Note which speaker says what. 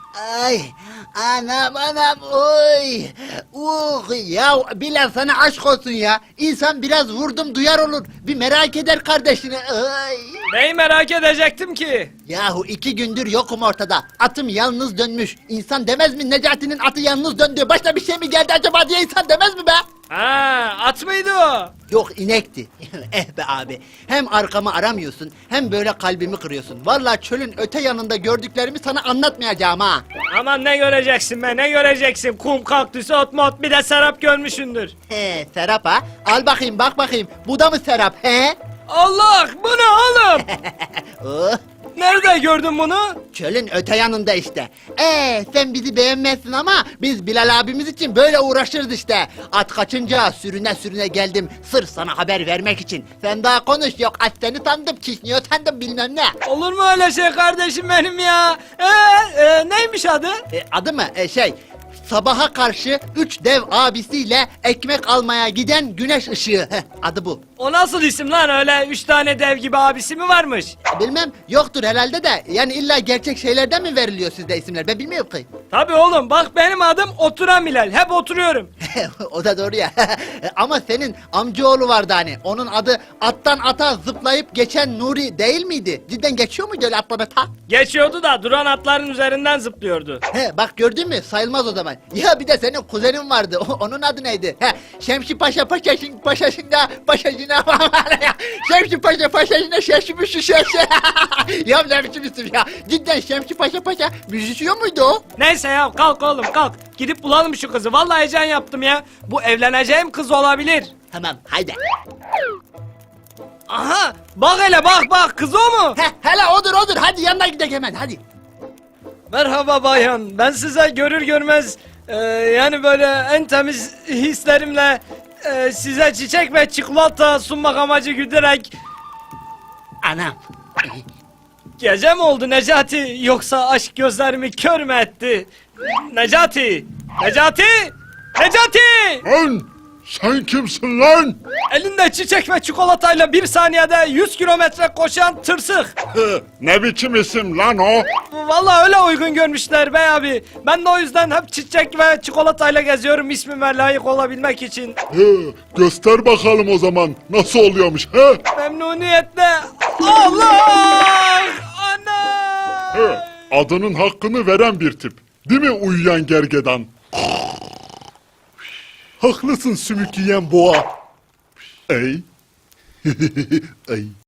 Speaker 1: Ay, anam, oy. Ya Bilal sana aşk olsun ya. İnsan biraz vurdum duyar olur. Bir merak eder kardeşini. Ay.
Speaker 2: Neyi merak edecektim ki?
Speaker 1: Yahu 2 gündür yokum ortada. Atım yalnız dönmüş. İnsan demez mi Necati'nin atı yalnız döndü. Başta bir şey mi geldi acaba diye insan demez mi be?
Speaker 2: Ha, at mıydı o?
Speaker 1: Yok inekti. Be abi. Hem arkamı aramıyorsun hem böyle kalbimi kırıyorsun. Vallahi çölün öte yanında gördüklerimi sana anlatmayacağım ha.
Speaker 2: Aman ne göreceksin be, ne göreceksin? Kum, kaktüsü, ot mot, bir de serap görmüşsündür.
Speaker 1: He Serap ha. Al bakayım bak bakayım. Bu da mı Serap he?
Speaker 2: Allah, bu ne oğlum?
Speaker 1: Oh,
Speaker 2: Nerede gördün bunu?
Speaker 1: çölün öte yanında işte. Sen bizi beğenmezsin ama biz Bilal abimiz için böyle uğraşırız işte. At kaçınca sürüne sürüne geldim sırf sana haber vermek için. Sen daha konuş yok at seni sandım kişniyor sandım bilmem ne.
Speaker 2: Olur mu öyle şey kardeşim benim ya? Neymiş adı?
Speaker 1: Adı mı? Sabaha karşı 3 dev abisiyle ekmek almaya giden güneş ışığı. Adı bu.
Speaker 2: O nasıl isim lan, öyle 3 tane dev gibi abisi mi varmış?
Speaker 1: Bilmem yoktur herhalde de yani illa gerçek şeylerden mi veriliyor sizde isimler ben bilmiyorum ki.
Speaker 2: Tabii oğlum, bak benim adım Oturan Bilal, hep oturuyorum.
Speaker 1: O da doğru ya. Ama senin amcaoğlu vardı hani. Onun adı attan ata zıplayıp geçen Nuri değil miydi? Cidden geçiyor muydu öyle atlama ta?
Speaker 2: Geçiyordu da duran atların üzerinden zıplıyordu.
Speaker 1: Bak gördün mü? Sayılmaz o zaman. Ya bir de senin kuzenin vardı. Onun adı neydi? Şemsi Paşa paşasında paşasına Şemsi Paşa paşasına şaşmışı şaşı. Ya ne biçim isim ya? Cidden Şemsi Paşa müzisyen muydu o?
Speaker 2: Neyse ya, kalk oğlum kalk. Gidip bulalım şu kızı, vallahi heyecan yaptım ya. Bu evleneceğim kız olabilir.
Speaker 1: Tamam haydi.
Speaker 2: Aha, bak hele bak, kız o mu?
Speaker 1: Hele odur hadi yanına gidelim hemen hadi.
Speaker 2: Merhaba bayan, ben size görür görmez yani böyle en temiz hislerimle size çiçek ve çikolata sunmak amacı güderek...
Speaker 1: Anam.
Speaker 2: Gece mi oldu Necati, yoksa aşk gözlerimi kör mü etti? Necati!
Speaker 3: Lan sen kimsin lan?
Speaker 2: Elinde çiçek ve çikolatayla 1 saniyede 100 kilometre koşan tırsık.
Speaker 3: Ne biçim isim lan o?
Speaker 2: Vallahi öyle uygun görmüşler bey abi. Ben de o yüzden hep çiçek ve çikolatayla geziyorum ismime layık olabilmek için.
Speaker 3: Göster bakalım o zaman nasıl oluyormuş he?
Speaker 2: Memnuniyetle. Allah! Ana!
Speaker 3: Adının hakkını veren bir tip. Değil mi uyuyan gergedan? Haklısın sümük yiyen boğa. Ey. Ey.